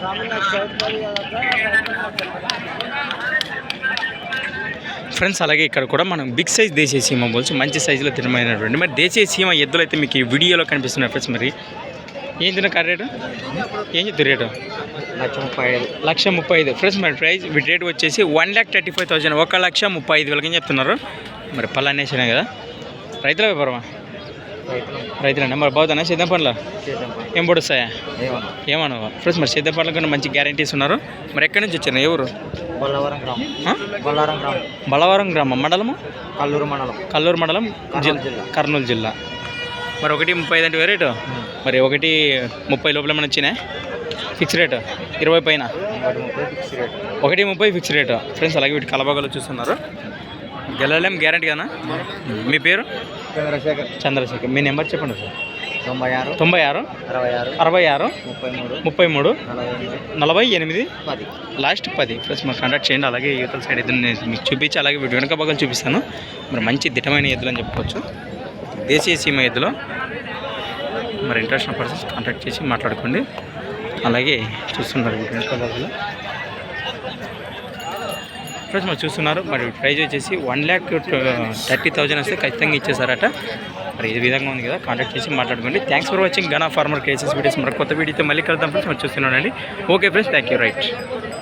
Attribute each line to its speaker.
Speaker 1: Friends అలాగే ఇక్కడ కూడా మనం బిగ్ సైజ్ దేశీయ సీమ బోల్స్ మంచి సైజులో తినమైనటువంటి మరి దేశీయ సీమ ఎద్దులు అయితే మీకు ఈ వీడియోలో కనిపిస్తున్నాయి ఫ్రెండ్స్. మరి ఏం తిన్న కార్ రేటు ఏం చెప్తారు రేటు 1,35,000 ఫ్రెండ్స్. మరి ప్రైస్ వీటి రేటు వచ్చేసి 1,35,000 1,35,000 ఏం చెప్తున్నారు. మరి పళ్ళు అనేసినాయి కదా, రైతుల వ్యాపారమా రైతులండి. మరి బాగుతానా సిద్ధం పండ్ల ఏం పొడుస్తాయా ఏమన్నా ఫ్రెండ్స్. మరి సిద్ధం పండ్ల కన్నా మంచి గ్యారంటీస్ ఉన్నారు. మరి ఎక్కడి నుంచి వచ్చారు ఎవరు? బల్లవరం గ్రామం మండలము కల్లూరు మండలం కర్నూలు జిల్లా. మరి 1,35 అంటే రేటు. మరి 1,30 లోపల ఏమైనా వచ్చినాయి ఫిక్స్ రేటు 20 పైన 1,30 ఫిక్స్ రేటు ఫ్రెండ్స్. అలాగే వీటి కలబాగాలు చూస్తున్నారు. గెలలేం గ్యారంటీ కదా. మీ పేరు? చంద్రశేఖర్. మీ నెంబర్ చెప్పండి సార్. 96 66 33 48 last 10 friends. మరి కాంటాక్ట్ చేయండి. అలాగే యువతల సైడ్ ఎద్దులు మీకు చూపించి అలాగే వీటి వెనక భాగాలు చూపిస్తాను. మరి మంచి దిట్టమైన ఎద్దులు అని చెప్పుకోవచ్చు, దేశీయ సీమ ఎద్దులు. మరి ఇంట్రెస్ట్ ఉన్న పర్సన్స్ కాంటాక్ట్ చేసి మాట్లాడుకోండి. అలాగే చూస్తున్నారు వీటి వెనక భాగాలు ఫ్రెండ్స్. మరి చూస్తున్నారు. మరి ప్రైజ్ వచ్చేసి 1,30,000 వస్తే ఖచ్చితంగా ఇచ్చేసారట. మరి ఈ విధంగా ఉంది కదా, కాంటాక్ట్ చేసి మాట్లాడుకోండి. థ్యాంక్స్ ఫర్ వాచింగ్ గనా ఫార్మర్ కేసెస్ వీడియోస్. మరి కొత్త వీడియోతో మళ్ళీ కలుద్దాం ఫ్రెండ్స్. మరి చూస్తున్నానండి. Okay friends, thank you. Right.